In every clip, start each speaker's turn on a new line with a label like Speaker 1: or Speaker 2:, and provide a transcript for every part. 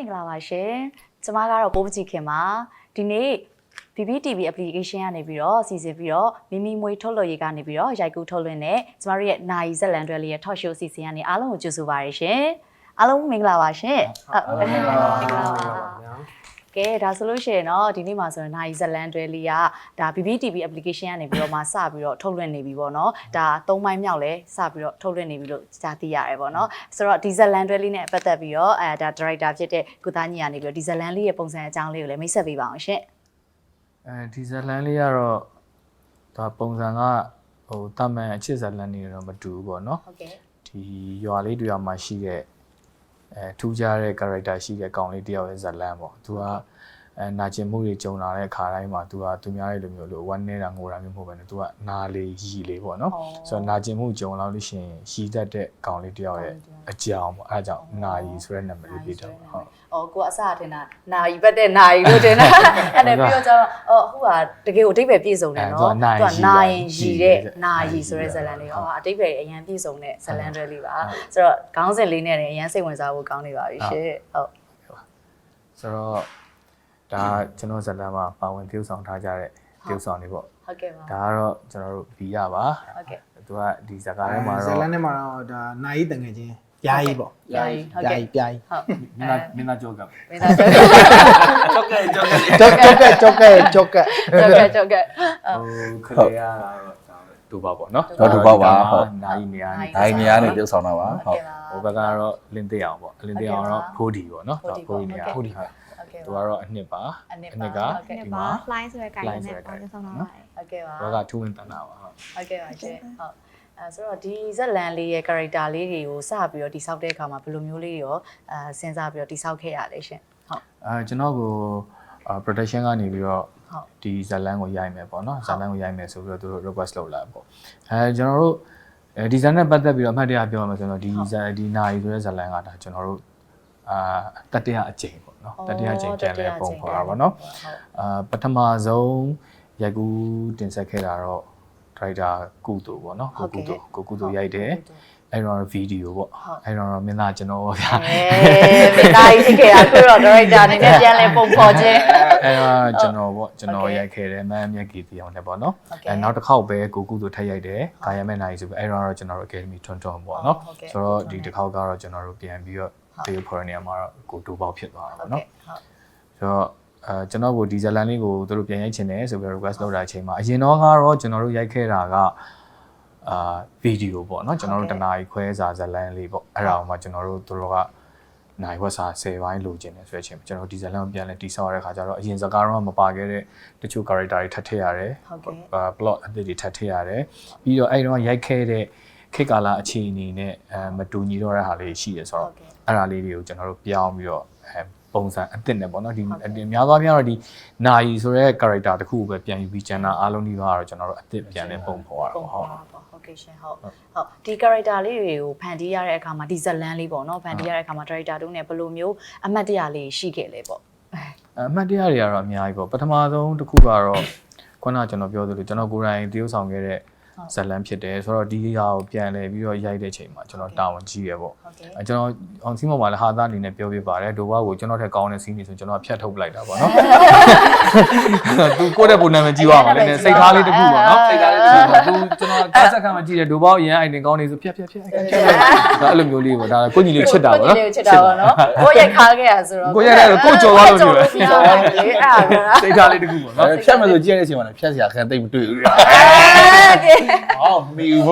Speaker 1: င်္ဂလာပါရှင်ကျမကတော့ပိုးပကြီးခင်ပါဒီနေ့ PPTV application ကနေပြီးတော့စီစဉ်ပြီးတော့မိမိမွေးထုတ်လွှင့်ရေးကနေပြီးတော့ရိုက်ကူးထုတ်လွှင့်တဲ့ကျမတို့ရဲ့နိုင်ဇက်လန်တွဲလေးရဲ့ talk show စီစဉ်ကနေအားလုံးကိုကြိုဆိုပါရရှင်အားလုံးမင်္ဂလာပါရှင်မင်္ဂလာပါကဲဒါဆိုလို့ရှိရင်တော့ဒီနေ့မှာဆိုရင်နိုင်ဇက်လန်တွဲလေးကဒါ PPTV application ကနေပြီးတော့မှစပြီးတော့ထုတ်လွှင့်နေပြီပေါ့နော်ဒါ3ပိုင်းမြောက်လဲစပြီးတော့ထုတ်လွှင့်နေပြီလို့ကြားသိရတယ်ပေါ့နော်ဆိုတော့ဒီဇက်လန်တွဲလေးနဲ့ပတ်သက်ပြီးတော့ဒါ director ဖြစ်တဲ့ကုသားညီကနေပြီးတော့ဒီဇက်လန်လေးရဲ့ပုံစံအကြောင်းလေးကိုလည်းမိတ်ဆက်ပေးပါအောင်ရှင်
Speaker 2: ဒီဇလန်လေးကတော့ဒါပုံစံကဟိုတာမန်အချစ်ဇလန်နေတော့မတူဘူးပေါ့နော်
Speaker 1: ဟုတ်ကဲ့
Speaker 2: ဒီရွာလေးတူရွာမှာရှိတဲ့ထူးခြားတဲ့ character ရှိတဲ့ကောင်လေးတယောက်ရဲ့ဇလန်ပေါ့သူကနာကျင်မှုတွေကြုံလာတဲ့ခါတိုင်းမှာသူကသူများရဲ့လိုမျိုးလို့ဝမ်းနေတာငိုတာမျိုးမဟုတ်ဘဲနဲ့သူကနာလေးရီလေးပေါ့နော်ဆိုတော့နာကျင်မှုကြုံလာလို့ရှိရင်ရီတတ်တဲ့ကောင်လေးတယောက်ရဲ့အကြောင်းပေါ့အဲဒါကြောင့်နာရီဆိုတဲ့နာမည်လေးပေးတော့ဟုတ်
Speaker 1: ကိုအစထင်တာနာရီပတ်တဲ့နာရီလို့ထင်တာအဲ့ဒါပြီးတော့ကျတော့အခုကတကယ်ကိုအတိတ်ပဲပြည့်စုံတယ်နော်သူကနာရင်ရီတဲ့နာရီဆိုတဲ့ဇာတ်လမ်းလေးအတိတ်ပဲအရင်ပြည့်စုံတဲ့ဇာတ်လမ်းတွေလေးပါဆိုတော့ခေါင်းစဉ်လေးနဲ့လည်းအရင်စိတ်ဝင်စားဖို့ကောင်းနေပါပြီရှင်ဟုတ်
Speaker 2: ဆိုတော့ဒါကျွန်တော်ဇာတ်လမ်းမှာပါဝင်ပြုဆောင်ထားကြတဲ့ပြုဆောင်တွေပေါ့
Speaker 1: ဟုတ်ကဲ့ပါ
Speaker 2: ဒါကတော့ကျွန်တော်တို့ဗီရပါ
Speaker 1: ဟုတ်ကဲ့
Speaker 2: သူကဒီဇာတ်ကားထဲမှာတော့
Speaker 3: ဇာတ်လမ်းထဲမှာတော့ဒါနိုင်တငယ်ချင်းပြားကြီးပေါ့
Speaker 1: ပြားကြီးဟုတ်ကဲ့
Speaker 3: ပြားကြီး
Speaker 1: ဟုတ်
Speaker 2: မင်းသားကြောက်က
Speaker 1: မင်းသားကြောက်က
Speaker 3: ကြောက်ကဟို
Speaker 2: ခလေးရတာတော့ဒူပေါပေါ့နော်
Speaker 4: ဒူပေါပါဟုတ်
Speaker 2: နိုင်နေရ
Speaker 4: နိုင်နေရနေပြုတ်ဆောင်တော့ပါဟုတ်
Speaker 2: ဟိုဘက်ကတော့လင်းသိအောင်ပေါ့လင်းသိအောင်တော့ဖိုးဒီပေါ့နော်ဖိုးဒီနေရဖိုးဒီဟုတ်သူကတော့အနှစ်ပါ
Speaker 1: အနှစ်
Speaker 2: က
Speaker 1: ဒီ
Speaker 5: မှာ line ဆိုတဲ့ guide နဲ့ပေါင်းဆောင်တော့ပါတယ်
Speaker 1: ဟုတ်ကဲ့ပါ
Speaker 2: ဘောကထူးဝင်တန်တာပါ
Speaker 1: ဟုတ်ကဲ့ပါရှင်ဟုတ်ဆိုတော့ဒီဇက်လန်လေးရဲ့ character လေးတွေကိုစပြီးတော့တိဆောက်တဲ့အခါမှာဘယ်လိုမျိုးလေးရောစဉ်းစားပြီးတော့တိဆောက်ခဲ့ရလဲရှင်
Speaker 2: ဟုတ်ကျွန်တော်ကို production ကနေပြီးတော့ဒီဇက်လန်ကိုရိုက်မယ်ပေါ့နော်ဇက်လန်ကိုရိုက်မယ်ဆိုပြီးတော့သူတို့ request လုပ်လာပေါ့ကျွန်တော်တို့ဒီဇက်နဲ့ပတ်သက်ပြီးတော့အမှတ်တရပြောရမယ်ဆိုတော့ဒီနာရီဆိုတဲ့ဇက်လန်ကဒါကျွန်တော်တို့တတိယအကြိမ်ပေါ့နော်တတိယအကြိမ်ပြန်လဲပုံခေါ်တာပေါ့နော်ပထမဆုံးရိုက်ကူးတင်ဆက်ခဲ့တာတော့ဒရိုက်တာကုသိုလ်ပေါ့နော်ကိုကုသိုလ်ရိုက်တယ်အဲ့တော့ဗီဒီယိုပေါ့အဲ့တော့မင်းသားကျွန်တော်ဗျာ
Speaker 1: မင်းသားကြီးဖြစ်ခဲ့တာခုတော့ဒရိုက်တာအနေနဲ့ပြန်လဲပုံဖော်ခြင်း
Speaker 2: အဲ့တော့ကျွန်တော်ရိုက်ခဲ့တယ်မမ်းမြက်ကြီးတီအောင်လည်းပေါ့နော်အဲ့နောက်တစ်ခေါက်ပဲကိုကုသိုလ်ထပ်ရိုက်တယ်ကာယမဲ့နိုင်ဆိုပြီးအဲ့တော့ကျွန်တော်တို့ Academy ထွန်းပေါ့နော်ဆိုတော့ဒီတစ်ခေါက်ကတော့ကျွန်တော်တို့ပြန်ပြီးတော့တေးဖော်ရနေမှာတော့ကိုတူပေါက်ဖြစ်သွားတာပေါ့နော်ဆိုတော့ကျွန်တော်ကိုဒီဇလန်လေးကိုတို့ပြန်ရိုက်ချင်တယ်ဆိုပြီး request လုပ်တာအချိန်မှာအရင်တော့ကတော့ကျွန်တော်တို့ရိုက်ခဲ့တာကဗီဒီယိုပေါ့နော်ကျွန်တော်တို့တနားရီခွဲစာဇလန်လေးပေါ့အဲ့ဒါအောင်မှကျွန်တော်တို့တို့ကနိုင်ဝက်စာ10ပိုင်းလိုချင်တယ်ဆိုတဲ့အချိန်မှာကျွန်တော်ဒီဇလန်ကိုပြန်လဲတိဆောက်ရတဲ့ခါကျတော့အရင်စကားတော့မပါခဲ့တဲ့တချို့ character တွေထပ်ထည့်ရတယ် plot အသစ်တွေထပ်ထည့်ရတယ်ပြီးတော့အဲ့တော့ရိုက်ခဲ့တဲ့ခေတ်ကာလအခြေအနေနဲ့မတူညီတော့တဲ့ဟာလေးရှိရဆိုတော့အဲ့ဒါလေးတွေကိုကျွန်တော်တို့ပြောင်းပြီးတော့ပုံစံအသစ်နဲ့ပေါ့နော်ဒီများသောအားဖြင့်တော့ဒီနာယီဆိုတဲ့ character တခုကိုပဲပြန်ယူပြီးကျန်တာအားလုံးဒီကတော့ကျွန်တော်တို့အသစ်ပြန်လဲပုံဖော်ရတော့
Speaker 1: ဟုတ်ကဲ့ရှင်ဟုတ်ဒီ character လေးတွေကိုဖန်တီးရတဲ့အခါမှာဒီဇလန်လေးပေါ့နော်ဖန်တီးရတဲ့အခါမှာ director တို့ ਨੇ ဘယ်လိုမျိုးအမှတ်တရလေးရှိခဲ့လဲပေါ့
Speaker 2: အမှတ်တရတွေကတော့အများကြီးပေါ့ပထမဆုံးတစ်ခုကတော့ခုနကကျွန်တော်ပြောသလိုကျွန်တော်ကိုယ်တိုင်တရုပ်ဆောင်ခဲ့တဲ့ဇလန်ဖြစ်တယ်ဆိုတော့ဒီဟာကိုပြန်လဲပြီးတော့ရိုက်တဲ့အချိန်မှာကျွန်တော်တာဝန်ကြီးရပေါ့ကျွန်တော်အောင်စီးမော်မှာလည်းဟာသားအနေနဲ့ပြောပြပါတယ်ဒိုဘကိုကျွန်တော်ထက်ကောင်းတဲ့စီးနေဆိုကျွန်တော်ဖြတ်ထုတ်ပလိုက်တာပေါ့နော်သူကိုယ့်တဲ့ပုံနာမည်ကြီးသွားမှာလည်းစိတ်ထားလေးတစ်ခုပေါ့နော်စိတ်ထားလေးတစ်ခုပေါ့သူကျွန်တော်ကားဆက်ခံမှကြည့်တယ်ဒိုဘအရင်အိုင်တင်ကောင်းနေဆိုဖြတ်အဲ့လိုမျိုးလေးပေါ့ဒါကိုညီလေးချစ်တာပေါ့နော်
Speaker 1: ချစ်တာပေါ့နော်ကိုရိုက်ခါခဲ့ရဆိုတော့
Speaker 2: ကိုရိုက်တယ်ကိုကြော်သွားလို့ပြောတယ်
Speaker 1: အဲ့ဒါ
Speaker 2: စိတ်ထားလေးတစ်ခုပေါ့နော်
Speaker 4: ဖြတ်မယ်ဆိုကြည့်ရတဲ့အချိန်မှာဖြတ်စရာခံသိမ့်မတွေ့ဘူးဟောမီဘူး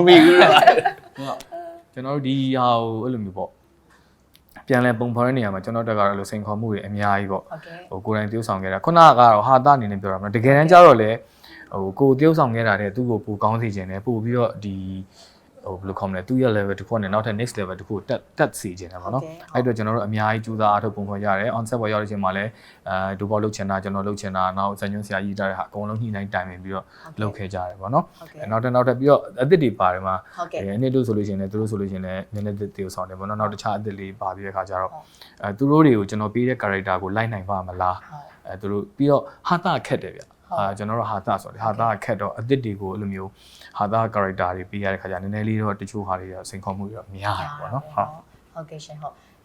Speaker 2: ကျွန်တော်တို့ဒီဟာကိုအဲ့လိုမျိုးပေါ့ပြန်လဲပုံဖော်တဲ့နေရာမှာကျွန်တော်တက်ကတော့လို့စိန်ခေါ်မှုတွေအများကြီးပေါ့ဟိုကိုယ်တိုင်tiêuဆောင်ခဲ့တာခုနကတော့ဟာတာအနေနဲ့ပြောတာမဟုတ်တကယ်တမ်းကျတော့လေဟိုကိုtiêuဆောင်ခဲ့တာတဲ့သူ့ကိုပူကောင်းစေခြင်းနဲ့ပို့ပြီးတော့ဒီဟိုဘယ်လိုခေါ်မလဲသူ့ရဲ့ level တစ်ခုနဲ့နောက်ထပ် next level တစ်ခုကိုတက်စီခြင်းတယ်ပေါ့နော်အဲ့တော့ကျွန်တော်တို့အများကြီးကြိုးစားအားထုတ်ပုံဖော်ရတယ် on set ပေါ်ရောက်တဲ့ချိန်မှာလည်းဒူပေါလုပ်ချင်တာကျွန်တော်လုပ်ချင်တာနောက်ဇန်ညွန်းဆရာကြီးတာတဲ့ဟာအကုန်လုံးညှိနှိုင်းတိုင်ပင်ပြီးတော့လုပ်ခဲ့ကြတယ်ပေါ့နော်နောက်ထပ်ပြီးတော့အသစ်တွေပါတယ်မှာအနည်းတို့ဆိုလို့ရှိရင်လည်းသူတို့ဆိုလို့ရှိရင်လည်းနည်းနည်းတေးဆောင်တယ်ပေါ့နော်နောက်တခြားအသစ်လေးပါပြီးတဲ့ခါကျတော့သူတို့တွေကိုကျွန်တော်ပေးတဲ့ character ကိုလိုက်နိုင်ပါမလားသူတို့ပြီးတော့ဟာတာခက်တယ်ဗျကျွန်တော်တို့ဟာတာဆိုတယ်ဟာတာခက်တော့အသစ်တွေကိုအဲ့လိုမျိုးဟာတာ character တွေပေးရတဲ့ခါကျနည်းနည်းလေးတော့တချို့ဟာတွေစိန်ခေါ်မှုတွေတော့များတယ်ပေါ့နော်
Speaker 1: ဟုတ်ကဲ့ရှင်ဟုတ်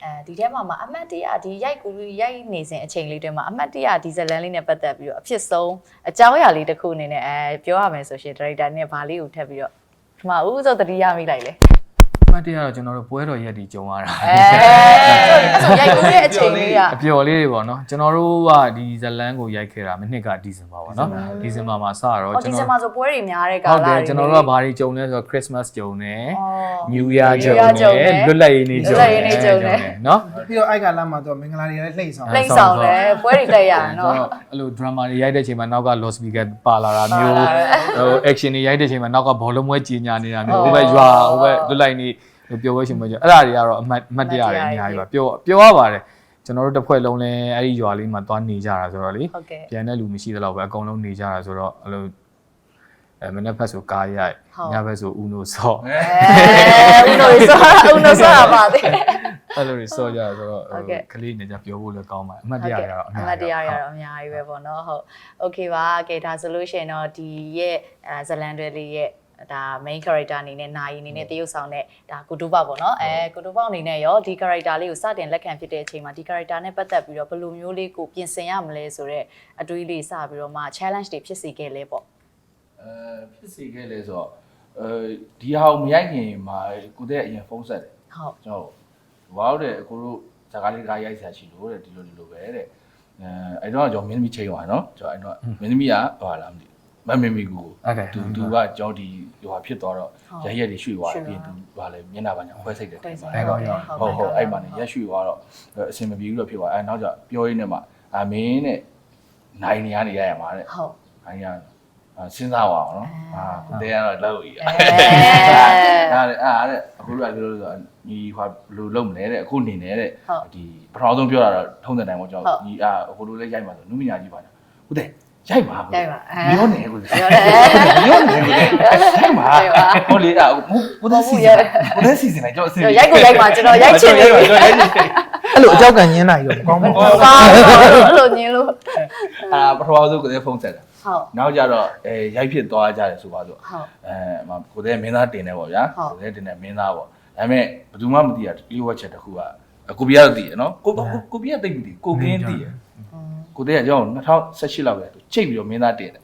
Speaker 1: ဒီထဲမှာအမှတ်တရဒီရိုက်ကူရိုက်နေစဉ်အချိန်လေးတွေမှာအမှတ်တရဒီဇလန်လေးနဲ့ပတ်သက်ပြီးတော့အဖြစ်ဆုံးအကြောင်းအရာလေးတစ်ခုအနေနဲ့ပြောရမယ်ဆိုရှင်ဒါရိုက်တာနဲ့ဗာလေးကိုထပ်ပြီးတော့ဒီမှာဦးစိုးတတိယမိလိုက်လေ
Speaker 2: မှတ်တရတော့ကျွန်တော်တို့ပွဲတော်ရက်ဒီကြုံရတာ
Speaker 1: ဆိုရိုက်ကူရဲ့အချိန်လေးကအ
Speaker 2: ပျော်လေးတွေပေါ့နော်ကျွန်တော်တို့ကဒီဇလန်ကိုရိုက်ခဲ့တာမနှစ်ကဒီဇင်ဘာပေါ့နော်ဒီဇင်ဘာမှာစတော့
Speaker 1: ဒီဇင်ဘာဆိုပွဲတွေများတဲ့ကာလ
Speaker 2: ဟုတ်တယ်ကျွန်တော်တို့ကဘာတွေကြုံလဲဆိုတော့ Christmas ကြုံတယ် New Year ကြုံတယ်လွတ်လပ်ရေးနေ့ကြုံတယ်နော်
Speaker 3: ပြီးတော့အိုက်ကလာမှာတော့မင်္ဂလာတွေလည်းလှိမ့်ဆောင်
Speaker 1: လိမ့်ဆောင်တယ်ပွဲတွေတက်ရနော်
Speaker 2: အဲ့လို drama တွေရိုက်တဲ့အချိန်မှာနောက်က lost speaker ပါလာတာမျိုးဟို action တွေရိုက်တဲ့အချိန်မှာနောက်ကဘောလုံးပွဲကြီးညာနေတာမျိုးဟိုဘက်ရွာဟိုဘက်လွတ်လပ်ရေးပျော်ပွဲရှင်ပွဲကြအဲ့ဒါတွေကတော့အမှတ်တရတွေအများကြီးပါပျော်ရပါတယ်ကျွန်တော်တို့တစ်ဖွဲ့လုံးလဲအဲ့ဒီရွာလေးမှာသွားနေကြတာဆိုတော့လေပြန်တဲ့လူမရှိသလောက်ပဲအကုန်လုံးနေကြတာဆိုတော့အဲ့လိုမနေ့ဖက်ဆိုကားရိုက်ညဘက်ဆိုဦးနိုဆော့
Speaker 1: ဦးနိုဆော့ပါသေး
Speaker 2: အဲ့လိုတွေဆော့ကြဆိုတော့ကလေးနေကြပြောဖို့လည်းကောင်းပါတယ်အမှတ်တရတွေကတော့အများကြီး
Speaker 1: ပဲပေါ့နော်ဟုတ်โอเคပါကဲဒါဆိုလို့ရှိရင်တော့ဒီရဲ့ဇလန်တွေလေးရဲ့ဒါ main character အနေနဲ့နာယီအနေနဲ့တရုပ်ဆောင်တဲ့ဒါကုတူပေါ့နော်ကုတူပေါ့အနေနဲ့ရောဒီ character လေးကိုစတင်လက်ခံဖြစ်တဲ့အချိန်မှာဒီ character နဲ့ပတ်သက်ပြီးတော့ဘယ်လိုမျိုးလေးကိုပြင်ဆင်ရမလဲဆိုတော့အတွေးလေးစပြီးတော့မှ challenge တွေဖြစ်စေခဲ့လဲပေါ့
Speaker 4: ဖြစ်စေခဲ့လဲဆိုတော့ဒီဟာကိုမရိုက်ခင်မှာကိုတဲ့အရင်ဖုန်းဆက်တယ်
Speaker 1: ဟုတ်
Speaker 4: ကျွန်တော်ဘာလို့တဲ့ကိုတို့ဇာကားလေးကားရိုက်ဆရာရှိလို့တဲ့ဒီလိုပဲတဲ့အဲ့တော့ကျွန်တော်မင်းသမီးချိန်သွားနော်ကျွန်တော်အဲ့တော့မင်းသမီးကဘာလားမသိမမေမီကူသူကကြောင်းဒီဟိုဟာဖြစ်သွားတော့ရရက်တွေရွှေ့သွားတယ်ပြင်သူဘာလဲမျက်နှာပါညာခွဲစိတ်တယ်တင်ပါတယ်ဟုတ်အဲ့မှာနေရက်ရွှေ့သွားတော့အစင်မပြေဘူးလို့ဖြစ်သွားအဲ့နောက်ကျပြောရင်းနဲ့မှမင်းနဲ့နိုင်နေရနေရရမှာတဲ့
Speaker 1: ဟုတ်
Speaker 4: နိုင်ရစဉ်းစားပါအောင်နော်ကိုတဲကတော့လောက်ကြီးအဲ့တဲ့အခုကပြောလို့ဆိုညီဟိုဘယ်လိုလုပ်မလဲတဲ့အခုနေနေတဲ့ဒီပထမဆုံးပြောတာတော့ထုံးတဲ့တိုင်ပေါ့ကျွန်တော်ညီအခုလိုလေးရိုက်မှာဆိုနုမညာကြီးပါညာဟုတ်တယ်ရိုက်ပါပြောနေကိုပြောနေကိုရိုက်ပါဟိုလေကိုတဲ့စီစဉ်လိုက်ကျွန်တော်အစင်
Speaker 1: ရိုက်ကိုရိုက်ပါကျွန်တော်ရိုက်ချင်တယ်
Speaker 3: အဲ့လိုအကြောက်ကညင်းတာကြီးတော့မကောင်း
Speaker 1: ဘူးအဲ့လိုညင်းလို့
Speaker 4: ပထမဆုံးကိုတဲ့ဖုန်းဆက်တာ
Speaker 1: ဟုတ်
Speaker 4: နောက်ကြတော့ရိုက်ဖြစ်သွားကြတယ်ဆိုပါဆိုကိုတဲ့မင်းသားတင်တယ်ပေါ့ဗျာကိုတဲ့တင်တယ်မင်းသားပေါ့ဒါပေမဲ့ဘယ်သူမှမသိရလီဝက်ချက်တစ်ခုကကိုပြရတော့သိရနော်ကိုပြရသိမသိကိုကင်းသိရကိုတဲ့ကကျွန်တော်2018လောက်ပဲချိတ်ပြီးတော့မင်းသားတင်တယ်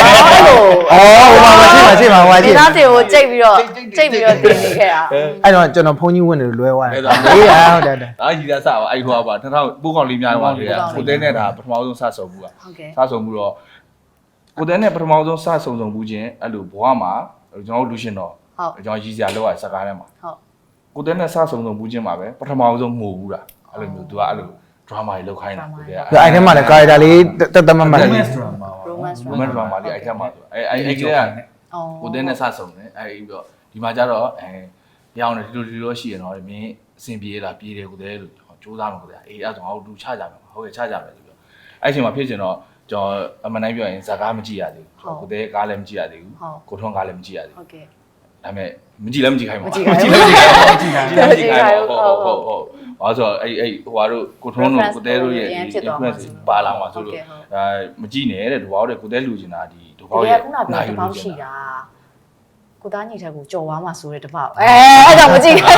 Speaker 3: ရှိပါ
Speaker 1: မင်းသားတင်ကိုချိတ်ပြီးတော့တင်နေခဲ့တာ
Speaker 3: အဲ့တော့ကျွန်တော်ဖုန်းကြီးဝင်နေလွဲသွားတယ်ဟုတ်တယ်
Speaker 4: ရည်သားစပါအဲ့ဟိုပါ2000ပိုးကောင်လေးများတော့လေကိုတဲ့နဲ့ဒါပထမဆုံးစဆုံမှုကစဆုံမှုတော့ကိုတဲ့နဲ့ပထမဆုံးစဆုံမှုချင်းအဲ့လိုဘွားမှာကျွန်တော်လူရှင်တော့ကျွန်တော်ရည်စရာလောက်ရစကားထဲမှာကိုတဲ့နဲ့စဆုံမှုချင်းမှာပဲပထမဆုံးငိုဘူးတာအဲ့လိုမျိုးသူကအဲ့လို drama တွေလောက်ခိုင်းတာကိုတဲ့
Speaker 3: အဲ့ထဲမှာလည်း character လေးတက်တက်မတ်မတ်လေး
Speaker 4: romance drama လေးအဲ့ထဲမှာဆိုအဲ့ကကိုတဲ့နဲ့စဆုံတယ်အဲ့ပြီးတော့ဒီမှာကျတော့ပြောင်းတယ်ဒီလိုရှိရတော့မင်းအဆင်ပြေလားပြေတယ်ကိုတဲ့လို့စူးစမ်းမှာကိုတဲ့အဲ့ဒါဆိုငါတို့လူချကြမယ်ဟုတ်ကဲ့ချကြမယ်ဆိုပြီးတော့အဲ့ချိန်မှာဖြစ်ချင်တော့ကျွန်တော်အမှန်တိုင်းပြောရင်ဇာကားမကြည့်ရသေးဘူးကိုတဲ့ကားလည်းမကြည့်ရသေးဘူးကိုထွန်းကားလည်းမကြည့်ရသေးဘူး
Speaker 1: ဟုတ်ကဲ့
Speaker 4: ဒါပေမဲ့မကြည့်လည်းမကြည့်ခိုင်းပါဘူး
Speaker 1: မကြည့်ခိုင်း
Speaker 4: ဟုတ်ဘာဆိုအဲ့ဟိုဟာတို့ကိုထွန်းတို့ကိုတဲတို့ရဲ့ influence ပါလာမှာဆိုလို့မကြည့်နဲ့တဲ့ဒီဘောက်တဲ့ကိုတဲလူချင်တာဒီဒီဘောက်ရဲ့
Speaker 1: ခုနကပြောတပေါက်ရှိတာကိုသားညီထက်ကိုကြော်သွားမှာဆိုတဲ့တပေါက်အဲ့ဒါမကြည့်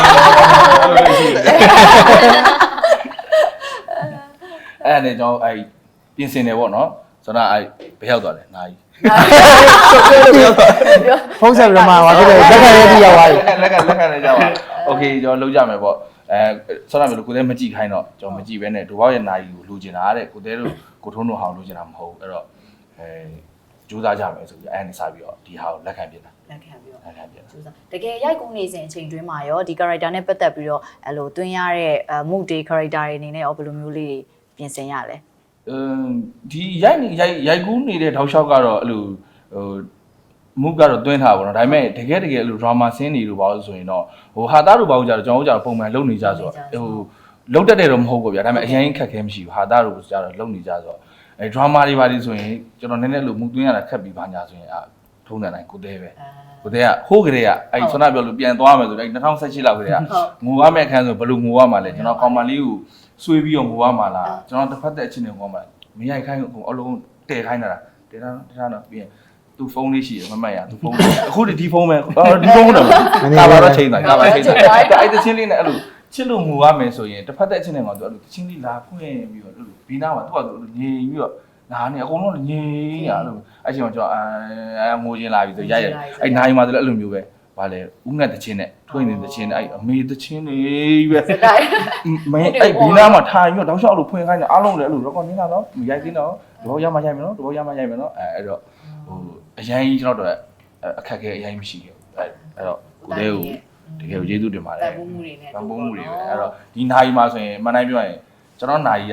Speaker 4: အဲ့နဲ့ကျွန်တော်အဲ့ပြင်ဆင်တယ်ပေါ့နော်ဆိုတော့အဲ့ဘယ်ရောက်သွားလဲနိုင်
Speaker 3: ဖုန်းဆက်ပြီးတော့မှဟာဖြစ်တယ်လက်ခံရေးပြီးရောက်သွားပြီ
Speaker 4: လက်ခံလေးရောက်သွားโอเคကျွန်တော်လုပ်ကြမယ်ပေါ့ဆောင်းရမယ်လို့ကိုတဲမကြည့်ခိုင်းတော့ကျွန်တော်မကြည့်ဘဲနဲ့ဒိုဘောက်ရဲ့နိုင်ကိုလူကျင်တာတဲ့ကိုတဲတို့ကိုထုံးတို့ဟောင်းလူကျင်တာမဟုတ်အဲ့တော့ကြိုးစားကြမယ်ဆိုပြီးအဲ့နဲ့စပြီးတော့ဒီဟာကိုလက်ခံပြင်တာ
Speaker 1: လက်ခံပြီးတော့ကြိုးစားတကယ်ရိုက်ကူးနေစဉ်အချိန်တွင်းမှာရောဒီ character နဲ့ပတ်သက်ပြီးတော့အဲ့လိုတွင်းရတဲ့ mood day character တွေအနေနဲ့ရောဘယ်လိုမျိုးလေးပြင်ဆင်ရလဲ
Speaker 4: ဒီရိုက်ကူးနေတဲ့ထောက်လျှောက်ကတော့အဲ့လိုမုကတော့တွင်းထားပါတော့ဒါပေမဲ့တကယ်အဲ့လို drama scene တွေလို့ပါလို့ဆိုရင်တော့ဟိုဟာသားတို့ဘာလို့ကြတော့ကျွန်တော်တို့ကြတော့ပုံမှန်လုပ်နေကြဆိုတော့ဟိုလုံးတက်တယ်တော့မဟုတ်ဘူးဗျာဒါပေမဲ့အရင်ခက်ခဲမရှိဘူးဟာသားတို့ကြတော့လုပ်နေကြဆိုတော့အဲ drama တွေပါလိဆိုရင်ကျွန်တော်နည်းနည်းလို့မုတွင်းရတာခက်ပြီးပါညာဆိုရင်ထုံးတဲ့တိုင်းကိုတဲပဲကိုတဲကဟိုးကလေးကအဲ့ဆွမ်းနာပြောလို့ပြန်သွားမယ်ဆိုတော့အဲ့2018လောက်ကလေးကငိုရမယ့်အခန်းဆိုဘယ်လိုငိုရမှာလဲကျွန်တော်ကောင်မလေးကိုဆွေးပြီးတော့ငိုရမှာလားကျွန်တော်တစ်ဖက်သက်အချင်းတွေငိုရမှာမရိုက်ခိုင်းဘူးအလုံးတည်ခိုင်းတာတည်တာတော့ပြီးရင်သူဖုန်းလေးရှိတယ်မမှတ်ရသူဖုန်းအခုဒီဖုန်းပဲဒီဖုန်းတော့ကာဘာတော့ချိန်တာကာဘာချိန်တာအဲ့တချင်းလေးနဲ့အဲ့လိုချစ်လို့ငူရမယ်ဆိုရင်တစ်ဖက်သက်အချင်းနဲ့ကောင်သူအဲ့လိုချင်းလေးလာဖွင့်ပြီးတော့ဘီနာမှာသူကငြိမ်ပြီးတော့နားနေအကုန်လုံးငြိမ်ရလို့အဲ့ချိန်မှာကျွန်တော်ငိုချင်းလာပြီဆိုရိုက်ရအဲ့နိုင်မှာဆိုလည်းအဲ့လိုမျိုးပဲဗာလေဦးငတ်တချင်းနဲ့ထွင်းနေတချင်းနဲ့အဲ့အမေတချင်းနေပဲမင်းအဲ့ဘီနာမှာထိုင်ပြီးတော့တောက်လျှောက်လို့ဖွင့်ခိုင်းတယ်အားလုံးလည်းအဲ့လို record နေတာနော်ရိုက်သေးတော့တဘောရမှရိုက်မယ်နော်တဘောရမှရိုက်မယ်နော်အဲ့တော့ဟိုအရင်ကြီးကျွန်တော်တို့အခက်အခဲအရင်မရှိခဲ့ဘူးအဲ့တော့ကိုတဲ့ကိုတကယ်ကျေးဇူးတင်ပါတယ်
Speaker 1: တန်ဖိုးမှုတွေနဲ့
Speaker 4: တန်ဖိုးမှုတွေပဲအဲ့တော့ဒီနိုင်မှာဆိုရင်မနိုင်ပြောရင်ကျွန်တော်နိုင်က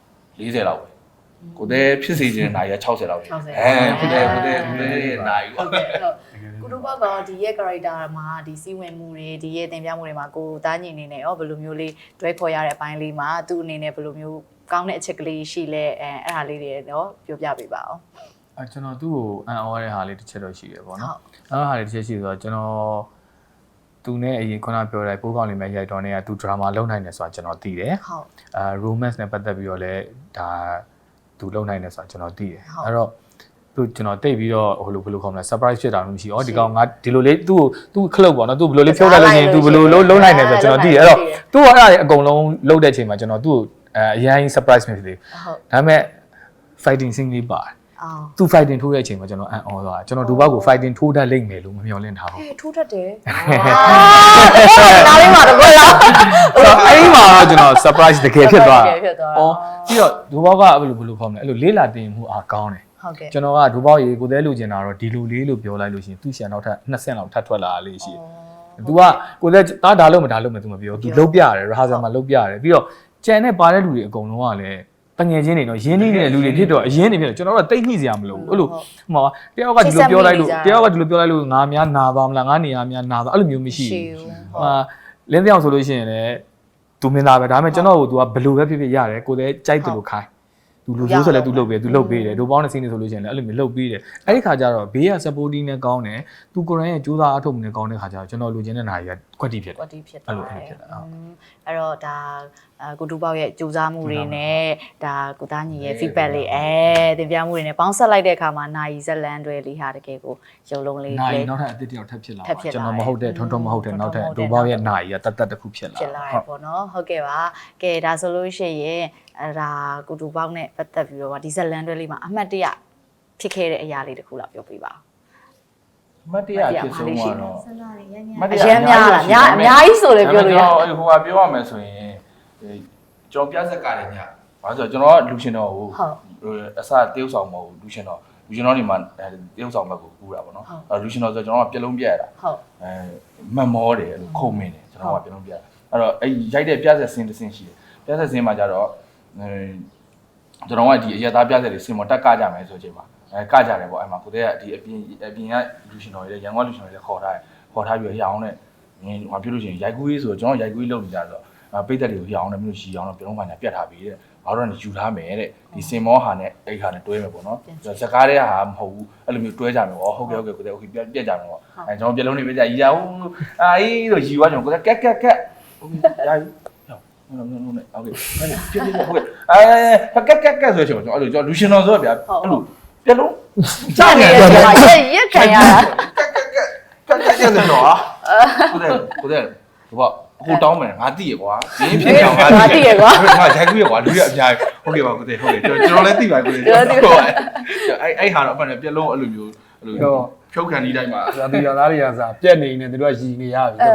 Speaker 4: 40လောက်ပဲကိုတဲ့ဖြစ်စေခြင်းနိုင်က60လောက်ပဲကိုတဲ့နိုင်
Speaker 1: ဟုတ်ကဲ့ကိုတို့ဘောက်ကဒီရဲ့ character မှာဒီစီးဝင်မှုတွေဒီရဲ့သင်ပြမှုတွေမှာကိုသားညီအနေနဲ့ရောဘယ်လိုမျိုးလေးတွဲခေါ်ရတဲ့အပိုင်းလေးမှာသူ့အနေနဲ့ဘယ်လိုမျိုးကောင်းတဲ့အချက်ကလေးရှိလဲအဲ့ဒါလေးတွေတော့ပြောပြပေးပါအောင်
Speaker 2: ကျွန်တော်သူ့ကိုအန်အော်တဲ့ဟာလေးတစ်ချက်တော့ရှိတယ်ပေါ့နော်အဲ့ဟာလေးတစ်ချက်ရှိဆိုတော့ကျွန်တော်သူနဲ့အရင်ခုနပြောတဲ့ပိုးကောင်းလေးမဲ့ရိုက်တော်နေကသူ drama လုပ်နိုင်တယ်ဆိုတာကျွန်တော်သိတယ်
Speaker 1: ဟုတ်
Speaker 2: romance နဲ့ပတ်သက်ပြီးတော့လည်းဒါသူလုပ်နိုင်တယ်ဆိုတာကျွန်တော်သိတယ်အဲ့တော့သူကျွန်တော်တိတ်ပြီးတော့ဟိုလိုဘယ်လိုခေါ်မလဲ surprise ဖြစ်တာမျိုးမရှိဩဒီကောင်ငါဒီလိုလေးသူ့ခလုတ်ပေါ့နော်သူဘယ်လိုလေးဖြုတ်လိုက်လို့ရှိရင်သူဘယ်လိုလုပ်နိုင်တယ်ဆိုကျွန်တော်သိတယ်အဲ့တော့သူ့အဲ့ဒါတွေအကုန်လုံးလုပ်တဲ့အချိန်မှာကျွန်တော်သူ့ကိုအရင် surprise ဖြစ်တယ်ဒါပေမဲ့ fighting scene လေးပါတယ်သူ fighting ထိုးတဲ့အချိန်မှာကျွန်တော်အံ့ဩသွားတာကျွန်တော်ဒီဘက်ကို fighting ထိုးတတ်လိမ့်မယ်လို့မမျှော်လင့်ထားဘူး
Speaker 1: ထိုးတတ်တယ်ဒါလေးမှာတော့လား
Speaker 2: အဲ့ဒီမှာတော့ကျွန်တော် surprise တကယ်ဖြစ်သွားတာပြီးတော့ဒီဘက်ကဘယ်လိုခေါ်မလဲအဲ့လိုလေးလာတင်မှုအားကောင်းတယ်
Speaker 1: ဟုတ်ကဲ့
Speaker 2: ကျွန်တော်ကဒူပေါက်ရေကိုသေးလူကျင်တာတော့ဒီလူလေးလို့ပြောလိုက်လို့ရှိရင်သူ့ရှန်နောက်ထပ်2ဆင့်လောက်ထပ်ထွက်လာလေးရှိတယ်။ तू ကကိုသေးဒါလို့မဒါလို့မ तू မပြော तू လုတ်ပြရတယ် rehearsal မှာလုတ်ပြရတယ်ပြီးတော့ကြံနဲ့ပါတဲ့လူတွေအကုန်လုံးကလည်းတငယ်ချင်းတွေတော့ရင်းနှီးနေတဲ့လူတွေဖြစ်တော့အရင်နေဖြစ်တော့ကျွန်တော်တို့တိတ်ညှိစရာမလိုဘူးအဲ့လိုဟိုမှာတယောက်ကဒီလိုပြောလိုက်လို့ငါများနာသွားမလားငါနေရာများနာသွားအဲ့လိုမျိုးမရှိဘူး။ဟာလင်းပြောင်ဆိုလို့ရှိရင်လည်း तू မင်းသားပဲဒါပေမဲ့ကျွန်တော်ကို तू ကဘယ်လိုပဲဖြစ်ဖြစ်ရတယ်ကိုသေးကြိုက်တယ်လို့ခိုင်းသူလူဆိုးဆိုလည်းသူလုပ်ပေးတယ်သူလုပ်ပေးတယ်ဒိုပေါင်းတဲ့စီးနေဆိုလို့ရှိရင်လည်းအဲ့လိုမျိုးလုပ်ပေးတယ်အဲ့ဒီခါကျတော့ဘေးက supporting နဲ့ကောင်းတယ်သူကိုယ်တိုင်ရဲ့ကြိုးစားအထုတ်မှုနဲ့ကောင်းတဲ့ခါကျတော့ကျွန်တော်လူချင်းတဲ့နာရီကကွက်တီဖြစ်တယ်
Speaker 1: ကွက်တီဖြစ်တယ်အဲ့တော့ဒါကိုတူပေါက်ရဲ့ကြိုးစားမှုတွေနဲ့ဒါကိုသားညီရဲ့ feedback လေးသင်ပြမှုတွေနဲ့ပေါင်းဆက်လိုက်တဲ့အခါမှာနာရီဇက်လန်တွေလေးဟာတကယ်ကိုရုံလုံးလေး
Speaker 2: နာရီနောက်ထပ်အသစ်တယောက်ထပ်ဖြစ်လာပါကျွန်တော်မဟုတ်တဲ့ထွန်းမဟုတ်တဲ့နောက်ထပ်ဒိုပေါက်ရဲ့နာရီကတတ်တစ်ခုဖြစ်လာ
Speaker 1: တယ်ပေါ့နော်ဟုတ်ကဲ့ပါကဲဒါဆိုလို့ရှိရင်အဲ့ဒါကိုတူပေါက်နဲ့ပတ်သက်ပြီးတော့ဒီဇက်လန်တွေလေးမှာအမှတ်တရဖြစ်ခဲ့တဲ့အရာလေးတခုလောက်ပြောပြပါ
Speaker 4: မတ်တရားဖြစ်ဆုံးကတော့
Speaker 1: အရင်များလားအများကြီးဆိုလည်းပြောလို့ရတယ်
Speaker 4: ဟိုကပြောရမယ်ဆိုရင်ကျွန်တော်ပြဆက်ကလည်းညဘာလို့ဆိုတော့ကျွန်တော်ကလူရှင်တော်ကိုအစတေးဥဆောင်မဟုတ်ဘူးလူရှင်တော်တွေမှာတေးဥဆောင်ဘက်ကိုကူးတာပေါ့နော်လူရှင်တော်ဆိုကျွန်တော်ကပြလုံးပြရတာ
Speaker 1: ဟုတ်
Speaker 4: မတ်မောတယ်အဲ့လိုခုံမင်းတယ်ကျွန်တော်ကပြလုံးပြရတာအဲ့တော့အဲ့ရိုက်တဲ့ပြဆက်စင်းတစ်စင်းရှိတယ်ပြဆက်စင်းမှာကြတော့ကျွန်တော်ကဒီအရသားပြဆက်တွေစင်မတက်ကကြမယ်ဆိုချိန်မှာကကြတယ်ပေါ့အဲ့မှာကိုတဲ့ကဒီအပြင်ကလူရှင်တော်တွေလည်းရန်ကုန်လူရှင်တော်တွေလည်းခေါ်ထားပြီးရအောင်နဲ့ဟိုပြောလို့ရှိရင်ရိုက်ကူးရေးဆိုတော့ကျွန်တော်ရိုက်ကူးရေးလုပ်နေကြတော့ပိတ်သက်တွေကိုရအောင်နဲ့မျိုးရှိအောင်တော့ပြုံးမှညာပြတ်ထားပြီတဲ့ဘာလို့လဲယူထားမယ်တဲ့ဒီစင်မောဟာနဲ့အဲ့ဟာနဲ့တွဲမယ်ပေါ့နော်ဇကားတဲ့ဟာမဟုတ်ဘူးအဲ့လိုမျိုးတွဲကြမယ်ပေါ့ဟုတ်ကဲ့ကိုတဲ့ okay ပြတ်ကြမယ်ပေါ့အဲကျွန်တော်ပြလုံးနေပြကြရအောင်အေးလို့ယူသွားကျွန်တော်ကိုတဲ့ကက်ရယူဟုတ်နဲ့โอเคဟုတ်ကဲ့ကက်ဆိုရှင်ကျွန်တော်အဲ့လိုကျွန်တော်လူရှင်တော်ဆိုဗျာအဲ့လိုပြလုံး
Speaker 1: ကြာနေရရက်ခံရတာ
Speaker 4: ကက်ဆိုတော့ကိုတဲ့ဘာဟိုတောင်းမယ်ငါသိရကွာရင်းဖြစ်ကြောင်ငါ
Speaker 1: သိရကွာ
Speaker 4: ငါရိုက်ကူးရကွာလူရအများဟုတ်ကဲ့ပါကိုတဲ့ဟုတ်ကဲ့ကျွန်တော်လည်းသိပါကိုတဲ့အဲ့ဟာတော့အမှန်ပြက်လုံးအဲ့လိုမျိုးအဲ့လိုဖြုတ်ခံဒီတိုင်းမှာ
Speaker 3: ဇာတိရသားတွေကစားပြက်နေနေသူတို့ကရည်နေရပြီ
Speaker 2: ဒါ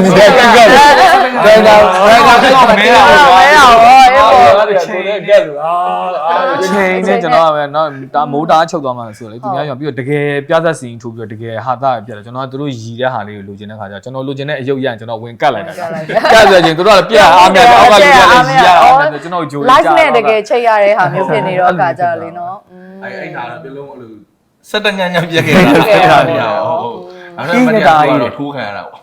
Speaker 2: တော့မင်းအောင်အချိန်နဲ့ကဲလို့အချိန်နဲ့ကျွန်တော်ကပဲเนาะဒါမိုးတားချုပ်သွားမှဆိုလေသူများရောပြီးတော့တကယ်ပြသက်စီထိုးပြီးတော့တကယ်ဟာတာပြတယ်ကျွန်တော်ကသူတို့ရည်တဲ့ဟာလေးကိုလိုချင်တဲ့ခါကျကျွန်တော်လိုချင်တဲ့အယုတ်ရရင်ကျွန်တော်ဝင်ကတ်လိုက်တာကတ်ဆိုရင်သူတို့ကပြအားမြတ်အောက်ကလူတွေလည်းရည်ရအောင်ကျွန်တော်ဂျိုး
Speaker 1: live နဲ့တကယ်ချိန်ရတဲ့ဟာမျိုးဖြစ်နေတော့အခါကြလေเนาะ
Speaker 4: အဲ့ဟာတော့ပြလုံးအဲ့လို17ညညပြက်ခဲ့တာဟုတ်ဟုတ်အဲ့ဒါမတရားတော့ထိုးခံရတာပေါ့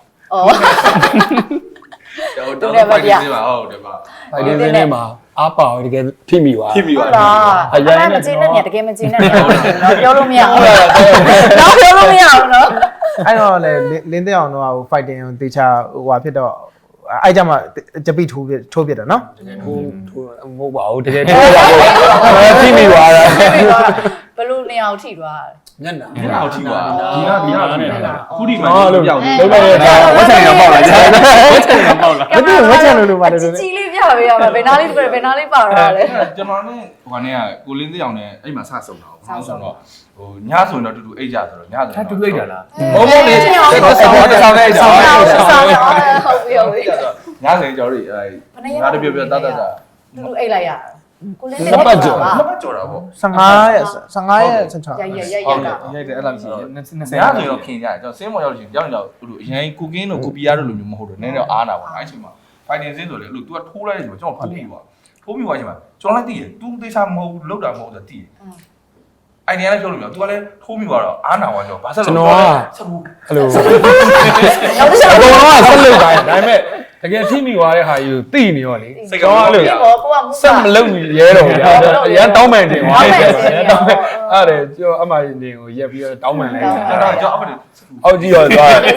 Speaker 1: တော်တယ်ဗျာ
Speaker 4: ဟုတ်တယ်ပါ
Speaker 3: အဲ့ဒီနေ့မှာအားပါတကယ်ထိမိသွား
Speaker 1: ဟုတ်လားအရင်မကျင်းနဲ့တကယ်မကျင်းနဲ့တော့ပြောလို့မရဘူးတော့ပြောလို့မရဘူးเนาะ
Speaker 3: အဲ့တော့လေလင်းတဲ့အောင်တော့ဟို fighting ကိုတေချာဟိုဟာဖြစ်တော့အဲ့ကြမှာကြပိထိုးပြတယ်နော်
Speaker 2: ထိုးမဟုတ်ပါဘူးတကယ်ထိုးပါဘူးထိမိသွားတာ
Speaker 1: ဘလို့နေအောင်ထိသွား
Speaker 3: ညက်နာ
Speaker 4: ဒီနောက်ထိပါဒီကထိပါခုဒီမှာ
Speaker 3: လို့
Speaker 4: ပြောက်နေ
Speaker 3: လုံးလိုက်ရတာ
Speaker 2: ဝက်ချန်တော့ပေါက်လာတယ်ဝက်ချန်တော့ပေါက်လာ
Speaker 3: မသိဝက်ချန်လို့ပါတယ်ဆို
Speaker 1: ကြီးလေးပြပေးရမှာဘယ်နာလေးဘယ်နာလေးပါတော့လဲ
Speaker 4: ကျွန်တော်နဲ့ဟိုကနေကကိုလင်းသိအောင်နဲ့အဲ့မှာစဆုံတာပေါ့ဆိုတော့ဟိုညဆိုရင်တော့တူတူအိတ်ကြဆိုတော့ညဆိုရင်တူအိတ်တာလားဘုံဘုံလေးတစ်ဆောင်နဲ့ဆောင်နဲ့
Speaker 1: ဟုတ်ပြီဟုတ်ပြီ
Speaker 4: ညဆိုရင်ကျွန်တော်တို့ငါတပြပြတတ်တတ်တာ
Speaker 1: တူတူအိတ်လိုက်ရကိုလင်း
Speaker 4: နှစ်ပတ်ကြော်တာပေါ့
Speaker 3: 15ရက်16
Speaker 1: ရိုက်
Speaker 4: ဟုတ်
Speaker 1: တာ
Speaker 2: ရိုက်တယ်အဲ့လိုရှိတယ်20
Speaker 4: ညဆိုရင်တော့ခင်ကြတယ်ကျွန်တော်စင်းမော်ရောက်လို့ရှိရင်ကြောက်ကြောက်ဟိုအရင်ကိုကင်းတို့ကိုပီယာတို့လိုမျိုးမဟုတ်တော့နည်းနည်းအားနာပါအဲ့ချိန်မှာ fighting စင်းဆိုလေအဲ့လို तू ကထိုးလိုက်တယ်ဆိုတော့ကျွန်တော်ဖိုးပြီးပါထိုးပြီးသွားချိန်မှာကျွန်တော်လည်းသိတယ် तू သေချာမဟုတ်လောက်တာမဟုတ်ဆိုသိတယ်အိုင်ဒီယာလည်းပြောလို့မရ तू ကလည်းထိုးပြီးသွားတော့အားနာသွားကျွန်တော်ဘာဆက်လို့ဆက်ဘူး
Speaker 3: အဲ့လို
Speaker 1: နောက်တစ်ချက်
Speaker 3: အကုန်လုံးကဆက်လုပ်တိုင်းဒါပေမဲ့တကယ်ထိမိသွားတဲ့ဟာကြီးကိုသိနေရောလေ
Speaker 4: စိတ်ကောင်းလို့
Speaker 1: ဒီဘောကိုကမူ
Speaker 3: ဆက်မလုပ်ရဲတော့ဗျာအရန်တောင်းပန်တင်သွားတယ်တောင်းပန်အဲ့ဒါကျော်အမရင်တင်ကိုရက်ပြီးတော့တောင်းပန်လိုက်
Speaker 4: ကျွန်တော်ကြောက်après
Speaker 3: အောက်ကြည့်ရောသွားတယ်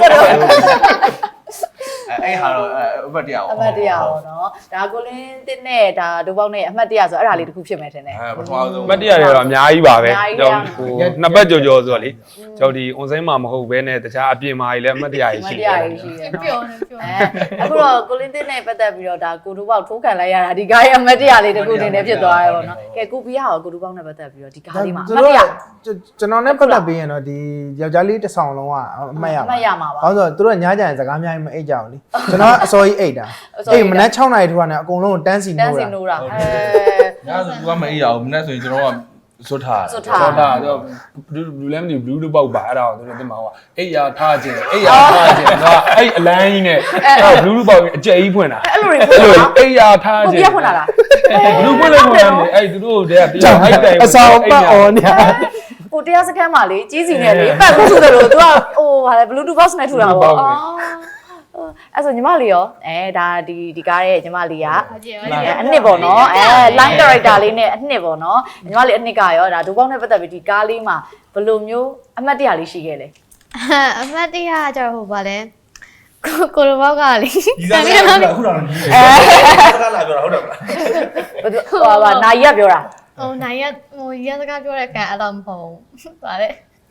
Speaker 4: အဲ့ဟာတော့အပတ်တရား
Speaker 1: အမှတ်တရပေါ့နော်ဒါကိုလင်းတစ်နဲ့ဒါဒိုးပေါက်နဲ့အမှတ်တရဆိုအဲ့ဒါလေးတစ်ခုဖြစ်မယ်ထင်တယ်
Speaker 4: ပထမဆုံး
Speaker 3: မတ်တရတွေတော့အများကြီးပါပဲကျွန်တော်ဟိုနှစ်ပတ်ကြော်ဆိုတော့လေကျွန်တော်ဒီ on site မှာမဟုတ်ဘဲနဲ့တခြားအပြင်မှာကြီးလည်းအမတ်တရကြီး
Speaker 1: အမှ
Speaker 3: ရှိ
Speaker 1: တ်တ
Speaker 3: တ
Speaker 1: ရ
Speaker 3: ယ်
Speaker 1: ကြီးရှိတယ်
Speaker 5: ပြောနေပြော
Speaker 1: အခုတော့ကိုလင်းတစ်နဲ့ပတ်သက်ပြီးတော့ဒါကိုဒိုးပေါက်ထိုးခံလိုက်ရတာဒီကားရဲ့အမှတ်တရလေးတစ်ခုအနေနဲ့ဖြစ်သွားရဲပေါ့နော်ကဲကိုပီးရောကိုဒိုးပေါက်နဲ့ပတ်သက်ပြီးတော့ဒီကားလေးမှာအမှတ်တရ
Speaker 3: ကျွန်တော်နဲ့ပတ်သက်ပြီးရင်တော့ဒီယောက်ျားလေးတစ်ဆောင်လုံးကအမှတ်ရပါ
Speaker 1: အမှတ်ရမှာပါ
Speaker 3: ဘာလို့ဆိုတော့သူတို့ညကြရင်စကားများရင်မအိတ်ကြဘူးလေကျွန်တော်အစောကြီးအိတ်တာအိတ်မနက်6နာရီထိုးတာနဲ့အကုန်လုံးတန်းစီ
Speaker 1: တ
Speaker 3: နိုး
Speaker 1: န်းစီ
Speaker 3: တာ
Speaker 1: နိုးတာ
Speaker 4: ညဆို तू ကမအေးရအောင်မနေ့ဆိုရင်ကျွန်တော်ကစွတ်ထား
Speaker 1: စွတ်ထား
Speaker 3: ဆောတာတော့ဘူးလည်းမသိဘူးတို့ပေါက်ပါအဲ့ဒါကိုသူတို့တင်မှာဟိုအိတ်ရထားခြင်းအိတ်ရထားခြင်းတော့အဲ့အလန်းကြီးနဲ့ဘူးပေါက်အကျဲကြီးဖွင့်တာ
Speaker 1: အဲ့လိုတွေ
Speaker 3: အဲ့လိုအိတ်ရထား
Speaker 1: ကို
Speaker 3: ခြင်း
Speaker 1: ပြဖွင့်လာလား
Speaker 3: ဘူးဖွင့်လို့မရဘူးအဲ့သူတို့တည်းကပြောဟိုက်တိုင်အဆောင်ပတ်အော်နေ
Speaker 1: ဟိုတရားစခန်းမှာလေကြီးစီနဲ့လေပတ်ဖို့ဆိုတယ်လို့ तू ကဟိုဟာလေ Bluetooth box နဲ့ထူတာပေါ့အော်အဲ့ဆိုညီမလေးရောဒါဒီကားရဲ့ညီမလေးကအနှစ်ပေါ့နော်line character လေးနဲ့အနှစ်ပေါ့နော်ညီမလေးအနှစ်ကရောဒါဒိုးပေါက်နဲ့ပတ်သက်ပြီးဒီကားလေးမှာဘယ်လိုမျိုးအမှတ်တရလေးရှိခဲ့လဲ
Speaker 5: အမတ်တရားကျတော့ဟိုပါလဲကိုလိုဘောက်ကလေ
Speaker 4: ဒီစားကအခုတော့ကြီးစကားလာပြောတာဟုတ်တယ်မလား
Speaker 1: ဟိုပါနာယီကပြောတာ
Speaker 5: ဟိုနိုင်ရဟိုရစကားပြောတဲ့ကန်အဲ့လိုမဟုတ်ဘူးပါလေ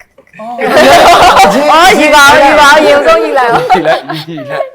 Speaker 1: အော်ယူပါရေဆုံးယူလိုက်အောင်
Speaker 3: ကြည့်လိုက်ကြည့်လိုက်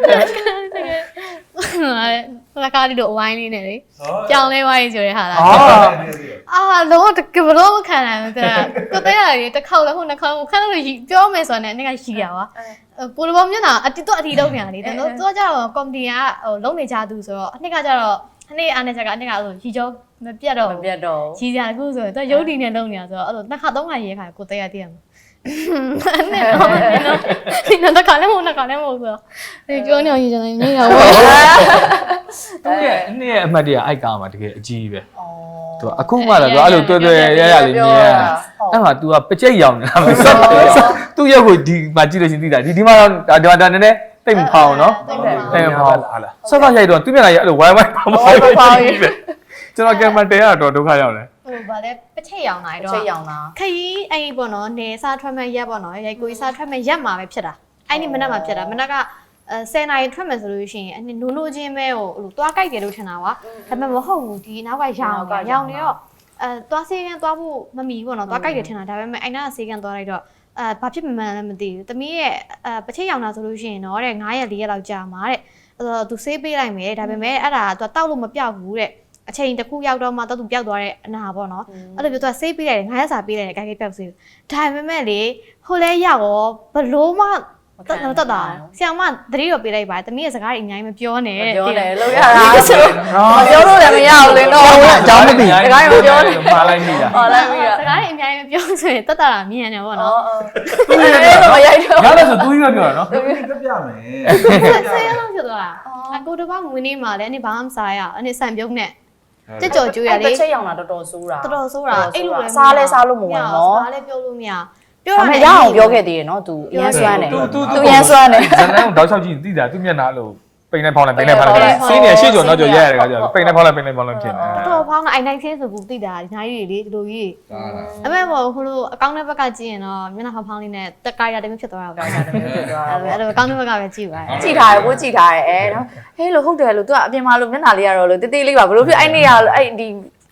Speaker 5: လကားလေးတို့အဝိုင်းလေးနဲ့လေကြောင်လေးဝိုင်းဆိုရဲဟာလား
Speaker 3: အော်
Speaker 5: လုံးဝတကယ်ဘလို့မခံနိုင်ဘူးတဲ့ကိုတဲ့ရတယ်တစ်ခေါက်လည်းဟိုနှစ်ခေါက်ခန်းလို့ပြောမယ်ဆိုတော့လည်းရှိရပါကိုလိုဘောမျက်နှာအတီတော့အတီတော့ပြန်လေတဲ့တော့သူကကျတော့ကော်မတီကဟိုလုံးနေကြသူဆိုတော့အနှစ်ကကျတော့အနှစ်အားနဲ့ချက်ကအနှစ်ကဆိုရီကျော်မပြတ်တော့
Speaker 1: မပြတ်တော့
Speaker 5: ကြီးစရာတခုဆိုရင်သူရုပ်တည်နဲ့လုံးနေတာဆိုတော့အဲ့လိုနှစ်ခါသုံးခါရေးခါကိုတဲ့ရတည်ရမှာအဲ့တော့တခါလည်းမဟုတ်နှစ်ခါလည်းမဟုတ်ဆိုတော့ဒီပြောနေအောင်ရေးချင်တယ်နေရော
Speaker 2: သူ့ရဲ့အနှစ်ရဲ့အမှတ်တရအိုက်ကားမှာတကယ်အကြီးပဲသူအခုမှလည်းသူအဲ့လိုတွေ့တွေ့ရရလေးမြင်ရအဲ့မှာ तू ကပကြိတ်ရောင်နေတာမဆက်သူ့ရုပ်ကိုဒီမှာကြည့်လို့ရှင်သိတာဒီမှာတော့ဒါနည်းနည်းတိတ်မဖောင်းနော်တိတ်မဖောင်းဆော့ဆော့ရိုက်တော့သူ့မျက်နှာကြီးအဲ့လိုဝိုင်းဝိုင်းဖောင်းဖောင်းပဲကျွန်တော်ကင်မတဲရတော့ဒုက္ခရောက်တယ်
Speaker 5: ဟိုဗာလဲပချက်ရောင်လာတော့
Speaker 1: ချိတ်ရောင်တာ
Speaker 5: ခရီးအဲ့ပေါ့နော်နေစားထွက်မဲ့ရက်ပေါ့နော်ရိုက်ကိုစားထွက်မဲ့ရက်မှာပဲဖြစ်တာအဲ့ဒီမနက်မှာဖြစ်တာမနက်က10နာရီထွက်မယ်ဆိုလို့ရှိရင်အနိုးနိုးချင်းပဲဟိုသွားကြိုက်တယ်လို့ထင်တာကွာဒါပေမဲ့မဟုတ်ဘူးဒီနောက်ကရောင်နေတော့သွားစေးကန်သွားဖို့မမီဘူးပေါ့နော်သွားကြိုက်တယ်ထင်တာဒါပေမဲ့အဲ့နာကစေးကန်သွားလိုက်တော့ဘာဖြစ်မှန်းလည်းမသိဘူးသမီးရဲ့ပချက်ရောင်တာဆိုလို့ရှိရင်တော့တဲ့9ရက်4ရက်လောက်ကြာမှာတဲ့သူဆေးပေးလိုက်မယ်ဒါပေမဲ့အဲ့ဒါသူတောက်လို့မပြောက်ဘူးတဲ့အချိန်တစ်ခုရောက်တော့မှတော့သူပျောက်သွားတဲ့အနာပေါ့နော်အဲ့လိုပြောသူဆေးပေးလိုက်တယ်9ရက်စာပေးလိုက်တယ်အကြိုက်ပျောက်ဆေးဒါပေမဲ့လေဟိုလဲရောက်ရောဘလို့မှတက်တာဆရာမသတိတော့ပေးလိုက်ပါတမီးရဲ့စကားတွေအများကြီးမပြောနဲ့
Speaker 1: ပြောတယ်လောက်ရတာဆိုပြောလို့လည်းမရဘူးလေတော့
Speaker 3: အကြောင်းမသိ
Speaker 1: စကားမပြောနဲ့
Speaker 2: ပါလိုက်မိတာ
Speaker 1: ဟောလိုက်ပြီ
Speaker 5: စကားတွေအများကြီးမပြောဆိုရင်တက်တာမြင်နေပေါ့နော်
Speaker 1: မရိုက်တော့
Speaker 2: ရတယ်ဆိုသူကြီးပဲပြောတာနော်
Speaker 4: ပြပြမယ်
Speaker 5: ဆေးလုံးဖြစ်သွားတာအကိုတော့ငွေနေမှာလည်းအနေဘာမှမစားရအနေဆန်ပြုံးနဲ့ကြက်ကြော်ကျွေးရလေ
Speaker 1: တစ်ချက်ရောင်တာတော်တော်ဆိုးတာ
Speaker 5: တော်တော်ဆိုးတာအဲ့လိုလည်း
Speaker 1: စားလဲစားလို့မဝင်နော်
Speaker 5: စားလဲပြောလို့မရပြော
Speaker 1: ဒါ
Speaker 5: ရ
Speaker 1: ပေ
Speaker 5: မယ်
Speaker 1: မဲ့ရအောင်ပြောခဲ့သေးတယ်နော် तू ရမ်းစွမ်းတယ် तू ရမ်းစွမ်းတယ်
Speaker 2: ဇန်နန်းကိုတောက်လျှောက်ကြည့်သိတာသူ့မျက်နှာလို့ပိန်နဲ့ဖောင်းလိုက်စီးနေရှေ့ကျော်နောက်ကျော်ရရတယ်ခါကျတော့ပိန်နဲ့ဖောင်းလိုက်ဖြစ်နေ
Speaker 5: တော်ဖောင်းကအိုင်နိုင်ချင်းဆိုဘူးသိတာဒီနိုင်ကြီးလေဒီလိုကြီးအမေဘောဟိုလိုအကောင့်ထဲဘက်ကကြည့်ရင်တော့မျက်နှာဖောင်းလေးနဲ့တက်ကိုက်ရတဲ့မျိုးဖြစ်သွားတာပေါ့အဲ့လိုအကောင့်ထဲဘက်ကပဲကြည့်ပါ
Speaker 1: ကြည့်ထားတယ်ကိုကြည့်ထားတယ်နော်ဟဲ့လို့ဟုတ်တယ်လို့ तू ကအပြင်မှာလို့မျက်နှာလေးရတော့လို့တေးသေးလေးပါဘလို့ဖြစ်အဲ့နေရအဲ့ဒီ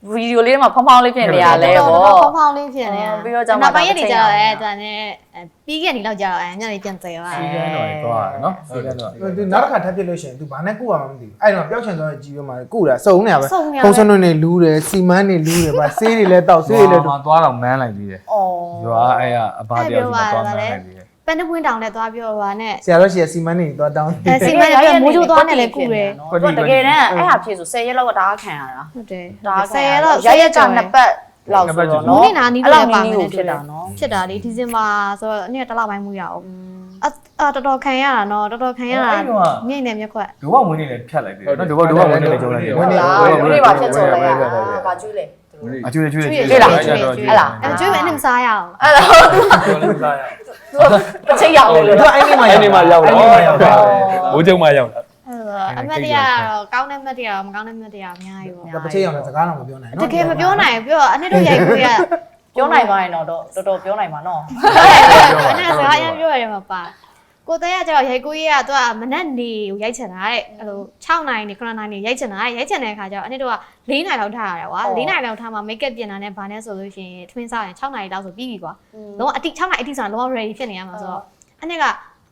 Speaker 1: ဗီဒီယိုလေးမှာဖောင်းဖောင်းလေးဖြစ်နေရလဲ
Speaker 5: တော့
Speaker 1: ပေါ့
Speaker 5: ဖောင်းဖောင်းလေးဖြစ်နေရ
Speaker 1: ပြီးတော့ကြောင့်
Speaker 5: နောက်ပိုင်းရက်တွေကြာတော့ဒါနဲ့ပြီးခဲ့နေတော့ကြာတော့ညနေပြန်သေးသွား
Speaker 2: စီကန်းတော့သွားတယ်နော်စီကန်းတော့
Speaker 6: သူနောက်တစ်ခါထပ်ဖြစ်လို့ရှိရင် तू ဘာနဲ့ကုရမှာမသိဘူးအဲ့တော့ပျောက်ချင်သွားတဲ့ကြီးရွက်မှာကုတာစုံနေရပဲဖုံးစွန်းတွေလူးတယ်စီမန်းတွေလူးတယ်ဗာဆေးတွေလည်းတောက်ဆေးတွေလည်း
Speaker 2: သွားတော့မန်းလိုက်ပြီးတယ်
Speaker 1: အော်
Speaker 2: ရွာအဲ့အဘတယောက်စီသွားမန်းလိုက်ပြီးတယ်
Speaker 5: ပန်းတပွင့်တောင်နဲ့သွားပြောပါနဲ့
Speaker 6: ဆရာတော်ရှိရစီမန်းတွေသွားတောင်း
Speaker 5: စီမံရမိုးချိုးသွားနဲ့လည်းကုတယ်
Speaker 1: သူတကယ်တမ်းအဲ့ဟာဖြစ်ဆို10ရက်လောက်ကဒါခံရတာ
Speaker 5: ဟုတ်တယ်
Speaker 1: ဒါ10ရက်လောက်ရကနှစ်ပတ်လောက်ဆိုတော့
Speaker 5: နိုး
Speaker 1: နော်
Speaker 5: နေနာနီးတော့ပါမယ်
Speaker 1: ဖြစ်တာနော်
Speaker 5: ဖြစ်တာလေဒီဇင်ဘာဆိုတော့နေ့တစ်လပိုင်းမှုရအောင်တော်တော်ခံရတာနော်တော်တော်ခံရတာမြင့်နေမြက်ခွက်
Speaker 2: ဒုဘဝင်နေလည်းဖြတ်လိုက်တယ်နော်ဒုဘဝင်နေလည်းကျုံလိုက်တယ်
Speaker 1: ဟုတ်လားဘယ်ပါဖြစ်ချော်လဲဘာကျွေးလဲ
Speaker 2: အကျွေးကျွေး
Speaker 1: ကျွေးလားကျွေးအဲ့လား
Speaker 5: ကျွေးမယ်နဲ့မစားရအောင်
Speaker 1: အဲ့လား
Speaker 3: ပြောလို့စားရ
Speaker 1: သူတစ်ချိန်ရောက်လေလို့
Speaker 6: သူအဲ့ဒီမှာရောက်တယ်
Speaker 3: ဘိုးကျုံမရောက်တာ
Speaker 5: အမတ်တရားတော့ကောင်းတဲ့မတ်တရားမကောင်းတဲ့မတ်တရားအများကြီးပေါ့
Speaker 6: တစ်ချိန်ရောက်တယ်စကားတော့မပြောနိုင်
Speaker 5: တကယ်မပြောနိုင်ဘူးပြောအနှစ်တို့ရိုက်ခွေးက
Speaker 1: ပြောနိုင်ပါရင်တော့တော်တော်ပြောနိုင်ပါနော်
Speaker 5: အနှစ်စကားအရင်ပြောရတယ်မှာပါကိုတဲကကျတော့ရိုက်ကိုကြီးကသူကမနက်နေကိုရိုက်ချင်တာတဲ့အဲ့လို6နိုင်နေ9နိုင်နေရိုက်ချင်တာရိုက်ချင်တဲ့အခါကျတော့အနှစ်တို့က4နိုင်လောက်ထားရတယ်ကွာ4နိုင်လောက်ထားမှ make up ပြင်တာနဲ့ဘာနဲ့ဆိုလို့ရှိရင်ထမင်းစားရင်6နိုင်လောက်ဆိုပြီးပြီကွာလုံးဝအတိ6နိုင်အတိဆိုတော့လုံးဝ ready ဖြစ်နေရမှာဆိုတော့အနှစ်က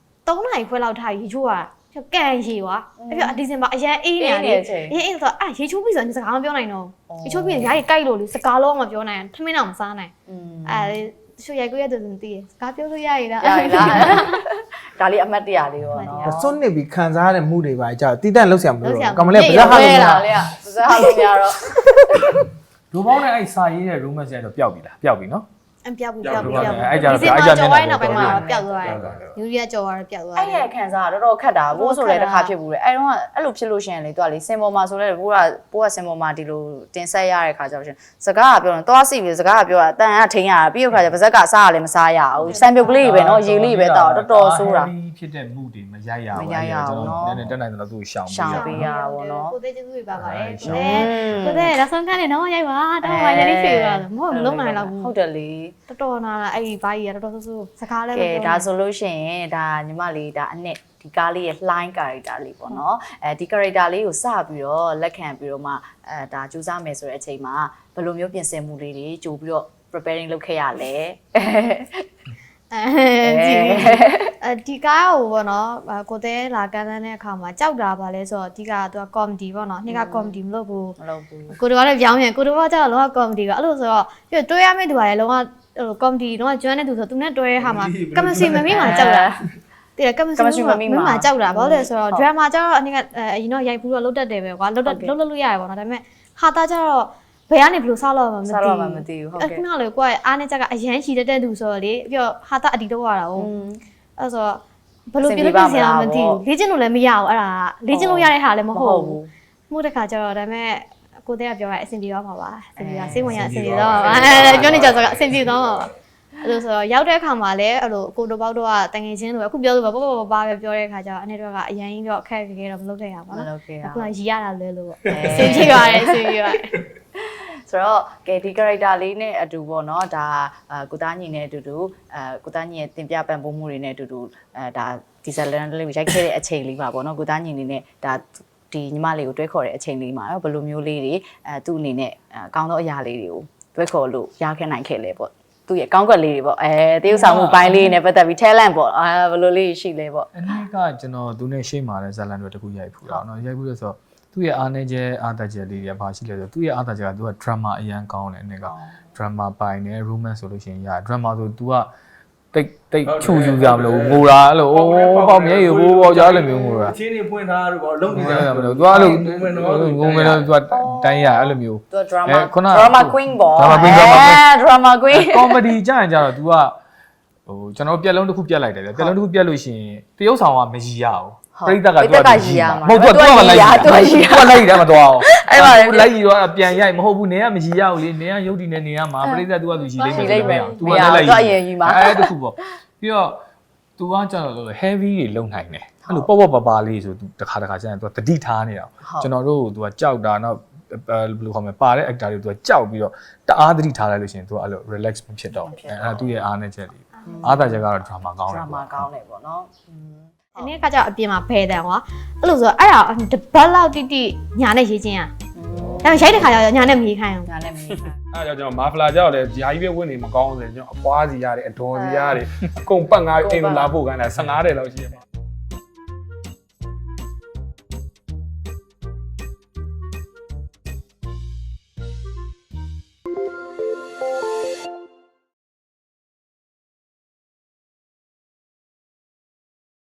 Speaker 5: 3နိုင်ခွဲလောက်ထားရေချိုးရကန်ရေကွာအဲ့ပြဒီဇင်ဘာအရန်အေးနေတယ်အေးဆိုတော့ရေချိုးပြီးဆိုရင်စကားမပြောနိုင်တော့ရေချိုးပြီးရင်ရားကြီးကြိုက်လို့လေစကားလုံးမပြောနိုင်ထမင်းတော့မစားနိုင်ရှူရိုက်ကိုရတဲ့သူတည်းစကားပြောလို့ရရလား
Speaker 1: ရရလားဒါလေးအမတ်တရားလေးရောနော်
Speaker 6: စွန့်နေပြီးခံစားရတဲ့မှုတွေပါကြာတီးတန့်လောက်ဆရာမလို့ကမလေးကဘာဟာလို့
Speaker 1: လေပါဇာဟာလို့များတော့
Speaker 2: ဒုဘောင်းနဲ့အဲ့စာရေးတဲ့ romance ကတော့ပျောက်ပြီလားပျောက်ပြီနော်
Speaker 5: အပြောက်ပြီးပြောက်ပြီး
Speaker 2: အဲ့ကြတော့
Speaker 5: ဒီမှာကြော်ဝိုင်းနောက်ပိုင်းမှာပျောက်သွားတယ်ယူရီးယားကြော်သွားတယ်ပျောက်သွားတယ်
Speaker 1: အဲ့ရဲ့ခံစားတော်တော်ခက်တာဘိုးဆိုလည်းတစ်ခါဖြစ်ဘူးလေအဲ့တော့အဲ့လိုဖြစ်လို့ရှိရင်လေသူကလေစင်ပေါ်မှာဆိုလဲဘိုးကစင်ပေါ်မှာဒီလိုတင်ဆက်ရတဲ့ခါကျတော့ရှင်စကားကပြောရင်သွားစီပြီးစကားကပြောတာအတန်ကထိန်ရတာပြီးတော့ခါကျပါဇက်ကစားရလည်းမစားရဘူးစံပြုတ်ကလေးပဲနော်ရေလေးပဲတောက်တော်တော်ဆိုးတာ
Speaker 2: ဖြစ်တဲ့မှုတွေမရိုက်ရဘူးကျွန်တော်နည်းနည်းတက်နိုင်တယ်လို့သူ့ရှောင်
Speaker 1: ရှောင်ပေးရတာပေါ့နော်
Speaker 5: ကိုသေးကျေးဇူးတွေပါပါတယ်ကိုသေးလက်ဆုံးကနေတော့ရိုက်ပါတော့မှရလေးဖြေရမဟုတ်လုံးနိုင်တော့ဘူး
Speaker 1: ဟုတ်တယ်လေ
Speaker 5: တော်တော်နာအဲ့ဒီဘာကြီးရတော်တော်ဆိုးစကားလည်း
Speaker 1: ကဲဒါဆိုလို့ရှိရင်ဒါညီမလေးဒါအနှစ်ဒီကားလေးရဲ့ line character လေးပေါ့နော်အဲဒီ character လေးကိုစပြီးတော့လက်ခံပြီးတော့မှဒါကြိုးစားမယ်ဆိုတဲ့အချိန်မှာဘယ်လိုမျိုးပြင်ဆင်မှုလေးတွေကြိုပြီးတော့ preparing လုပ်ခဲ့ရလဲ
Speaker 5: ဒီကားကိုပေါ့နော်ကိုသေးလာကန်တဲ့အခါမှာကြောက်တာပါလဲဆိုတော့ဒီကသူက comedy ပေါ့နော်နှစ်က comedy မလုပ်ဘူး
Speaker 1: မလုပ်ဘူး
Speaker 5: ကိုတို့ကလည်းပြောင်းပြန်ကိုတို့ကကျတော့လောက comedy ကအဲ့လိုဆိုတော့ပြတွဲရမယ့်သူကလည်းလောက comedy တော့ကျွမ်းတဲ့သူဆိုသူနဲ့တွဲဟာမှာကမစီမမီမှာကြောက်တာတဲ့ကမစီမမီမှာကြောက်တာဘာလို့လဲဆိုတော့ drama ကျတော့အရင်ကအရင်တော့ရိုက်ဘူးတော့လုတ်တတ်တယ်ပဲကွာလုတ်လို့ရတယ်ပေါ့နော်ဒါပေမဲ့ဟာတာကျတော့ဘယ်ကနေဘယ်လိုစားလို့မှမသိဘူး
Speaker 1: စားတော့မှမသိဘူးဟုတ်ကဲ့
Speaker 5: ခုနကလေကိုကအားနဲ့ချက်ကအရန်ရှိတဲ့သူဆိုတော့လေပြီးတော့ဟာတာအတီတော့ရတာဟုတ်အဲ့ဆိုတော့ဘယ်လိုပြလို့ပြင်စရာမသိဘူးလေ့ကျင့်လို့လည်းမရဘူးအဲ့ဒါလေ့ကျင့်လို့ရတဲ့ဟာလည်းမဟုတ်ဘူးမှုတစ်ခါကျတော့ဒါပေမဲ့ကိုတဲ့ကပြောရအဆင်ပြေတော့မှာပါအဆင်ပြေတာစိတ်ဝင်ရအဆင်ပြေတော့မှာပါပြောနေကြဆိုတော့အဆင်ပြေတော့မှာပါအဲ့လိုဆိုတော့ရောက်တဲ့အခါမှာလည်းအဲ့လိုကိုတို့ပေါက်တော့ကတငယ်ချင်းလိုပဲအခုပြောလို့ပေါ့ပဲပြောတဲ့အခါကျတော့အနေတော့ကအရင်ကြီးတော့အခက်ခဲတော့မလုပ်ခဲ့ရပါ
Speaker 1: မ
Speaker 5: ဘူး
Speaker 1: လုပ်ခဲ့ရ
Speaker 5: အခုကရီရတာလဲလို့ပေါ့အဆင်ပြေပါတယ်အဆင်ပြေပါတယ်
Speaker 1: ဆိုတော့ကဲဒီ character လေးနဲ့အတူပေါ့နော်ဒါကိုသားညီနဲ့အတူတူကိုသားညီရဲ့တင်ပြပံ့ပိုးမှုတွေနဲ့အတူတူဒါဒီဇလန်လေးကိုရိုက်ခဲ့တဲ့အချိန်လေးပါပေါ့နော်ကိုသားညီနေနဲ့ဒါဒီညီမလေးကိုတွဲခေါ်တဲ့အချိန်လေးမှာတော့ဘယ်လိုမျိုးလေးတွေသူ့အနေနဲ့ကောင်းသောအရာလေးတွေကိုတွဲခေါ်လို့ရခဲ့နိုင်ခဲ့လဲပေါ့သူ့ရဲ့ကောင်းကွက်လေးတွေပေါ့တရုပ်ဆောင်မှုပိုင်းလေးနဲ့ပတ်သက်ပြီး talent ပေါ့ဘယ်လိုလေးရှိလဲပေါ့
Speaker 2: အနည်းကကျွန်တော်သူနဲ့ရှေ့မှာတဲ့ဇာလန်တွေတခုရိုက်ဖူးတာเนาะရိုက်ဖူးလို့ဆိုတော့သူ့ရဲ့အားနည်းချက်အားတက်ချက်လေးတွေဘာရှိလဲဆိုတော့သူ့ရဲ့အားတက်ချက်ကသူက drama အရန်ကောင်းတယ်အနေက drama ပိုင်းနဲ့ romance ဆိုလို့ရှိရင်ရ drama ဆို तू ကတိတ်ချူယူကြမလို့ငိုတာအဲ့လိုပေါက်မြဲရဟိုပေါက်ကြားလည်းမျိုးငိုတာ
Speaker 4: အချင်းတွေဖွင့်ထားတော့လုံးနေကြ
Speaker 2: မလို့ तू အဲ့လိုငုံမယ်လို့ तू တိုင်းရအဲ့လိုမျိုး
Speaker 1: သူ drama queen ပေါ့ drama queen
Speaker 2: comedy ကြရင်ကြတော့ तू ကဟိုကျွန်တော်ပြက်လုံးတစ်ခုပြက်လိုက်တယ်ဗျပြက်လုံးတစ်ခုပြက်လို့ရှိရင်တရုပ်ဆောင်ကမရီရအောင်ပရိသတ်က तू ကရီရမှာမဟုတ် तू ကလိုက်ရ तू လိုက်တယ်မတော်အောင်အဲ့ပါလေလိုက်ရီတော့ပြန်ရိုက်မဟုတ်ဘူးနေကမရီရဘူးလေနေကရုပ်တည်နေနေရမှာပရိသတ် तू က तू ရီလိမ့်မယ် तू ကလည်းလိုက်အဲ့တခုပေါ့ပြီးတော့ तू ကကျတော့ heavy တွေလုံနိုင်တယ်အဲ့လိုပေါ့ပါလေးဆို तू တစ်ခါကျရင် तू တတိထားနေတာကျွန်တော်တို့ तू ကကြောက်တာနောက်ဘယ်လိုခေါ်မလဲပါတဲ့ actor တွေ तू ကကြောက်ပြီးတော့တအားတတိထားလိုက်လို့ရှိရင် तू အဲ့လို relax မဖြစ်တော့အဲ့သူ့ရဲ့အားနဲ့ချက်လေးအားသာချက်ကတော့ drama ကောင်းတယ်
Speaker 1: drama ကောင်းတယ်ပေါ့နော်
Speaker 5: အနည်းကကြောင့်အပြင်မှာဖဲတယ်ကွာအဲ့လိုဆိုအဲ့ဒါတပတ်လောက်တိတိညာနဲ့ရေးချင်းอ่ะဒါရိုက်တဲ့ခါကျတော့ညာနဲ့မီးခိုင်းအောင်
Speaker 1: ညာနဲ့မီး
Speaker 3: အဲ့တော့ကျွန်တော်မာဖလာကြောက်တယ်ဂျာကြီးပဲဝင်နေမကောင်းဆိုရင်ကျွန်တော်အပွားစီရတယ်အတော်စီရတယ်အကုန်ပတ်ငါအိမ်လာဖို့ခိုင်းတာ15တဲ့လောက်ရှိရမှာ